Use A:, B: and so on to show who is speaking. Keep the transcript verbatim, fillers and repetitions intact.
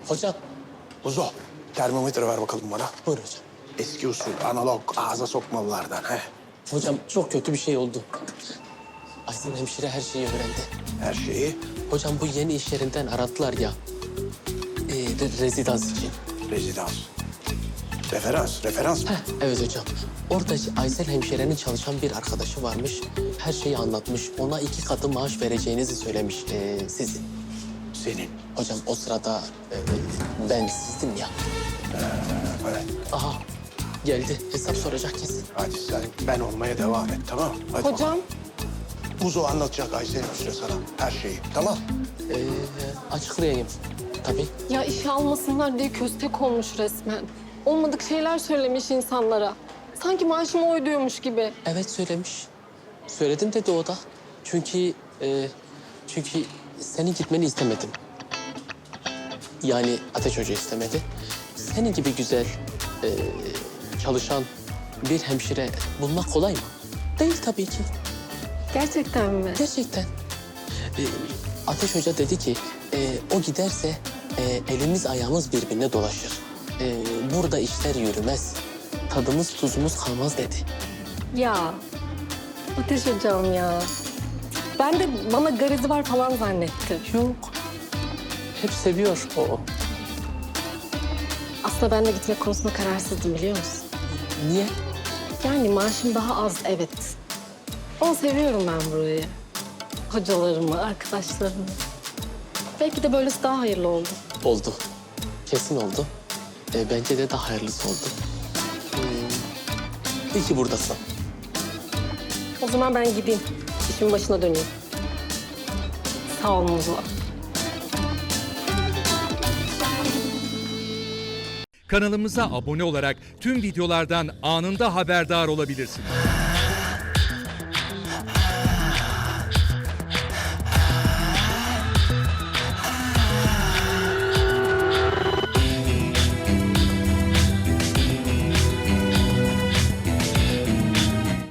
A: Hocam.
B: Uzo, termometre ver bakalım bana.
A: Buyur hocam.
B: Eski usul, analog, ağza sokmalılardan. He.
A: Hocam çok kötü bir şey oldu. Aysel hemşire her şeyi öğrendi.
B: Her şeyi
A: Hocam bu yeni iş yerinden aradılar ya. Ee, re- rezidans için.
B: rezidans. Referans, referans mı?
A: Heh, evet hocam. Orada Aysel hemşirenin çalışan bir arkadaşı varmış. Her şeyi anlatmış. Ona iki katı maaş vereceğinizi söylemiş ee, sizin.
B: Senin.
A: Hocam o sırada e, ben sizdim ya.
B: Evet.
A: Aha geldi. Hesap soracak kesin.
B: Hadi sen ben olmaya devam et, tamam? Hadi
C: Hocam,
B: bakalım. Uzo anlatacak Aysel Hüsnü sana her şeyi, tamam?
A: Ee, açıklayayım tabii.
C: ya işe almasınlar diye köstek olmuş resmen. Olmadık şeyler söylemiş insanlara. Sanki maaşımı oyluyormuş gibi.
A: Evet söylemiş. Söyledim dedi o da. Çünkü e, çünkü senin gitmeni istemedim. Yani Ateş Hoca istemedi. Senin gibi güzel e, çalışan bir hemşire bulmak kolay mı? Değil tabii ki.
C: Gerçekten mi?
A: Gerçekten. E, Ateş Hoca dedi ki e, o giderse e, elimiz ayağımız birbirine dolaşır. E, burada işler yürümez. Tadımız tuzumuz kalmaz dedi.
C: Ya, Ateş hocam ya. Ben de bana garezi var falan zannettim.
A: Yok. Hep seviyor o.
C: Aslında ben de gitmek konusunda kararsızdım biliyor musun?
A: Niye?
C: Yani maaşım daha az evet. Ama seviyorum ben burayı. Hocalarımı, arkadaşlarımı. Belki de böylesi daha hayırlı oldu.
A: Oldu. Kesin oldu. E, bence de daha hayırlısı oldu. Hmm. İyi ki buradasın.
C: O zaman ben gideyim. İşimin başına döneyim. Sağ olun Muzo.
D: Kanalımıza abone olarak tüm videolardan anında haberdar olabilirsiniz.